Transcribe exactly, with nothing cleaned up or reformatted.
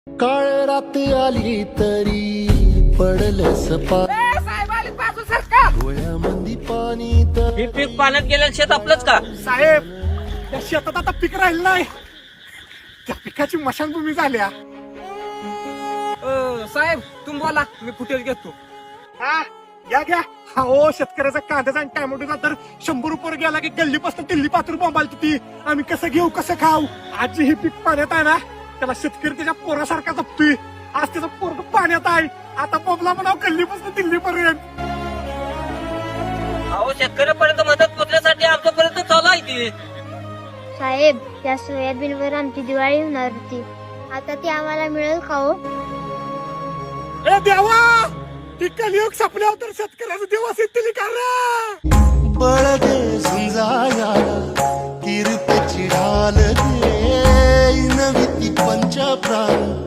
काळ राती आली तरी पडल सपा साहेब आले बाजू सरकार. डोळ्यामंदी पाणी तर हे पीक पाण्यात गेलेलं शेत आपलंच का? साहेब त्या शेतात आता पीक राहिलं नाही, त्या पिकाची मशानभूमी झाल्या. अ, साहेब तुम्ही बोला, मी फुटेज घेतो. हा घ्या घ्या. हा ओ शेतकऱ्याचा कांद्याचा आणि टॅमॅटोचा दर शंभर रुपये गेला की गल्लीपासून दिल्ली पात्र बोंबालती ती. आम्ही कसं घेऊ कसं खाऊ? आजी ही पीक पाण्यात आहे ना, त्याला शेतकरी त्याच्या पोरासारखा जपतोय. आज त्याचं पोरग पाण्यात आहे, आता बोंबला म्हणाव गल्लीपासून दिल्लीपर्यंत. अहो शेतकऱ्यापर्यंत मदत पोचण्यासाठी आमच्यापर्यंत चालू आहे ती. साहेब त्या सोयाबीनवर आमची दिवाळी होणार होती, आता ती आम्हाला मिळेल का हो? ए देवा, ती कलियुग संपल्यावर तर शेतकऱ्याचा दिवस येतील का रे? बळ दे झुंजाया कीर्तची ढाल दे नवी ती पंच प्राण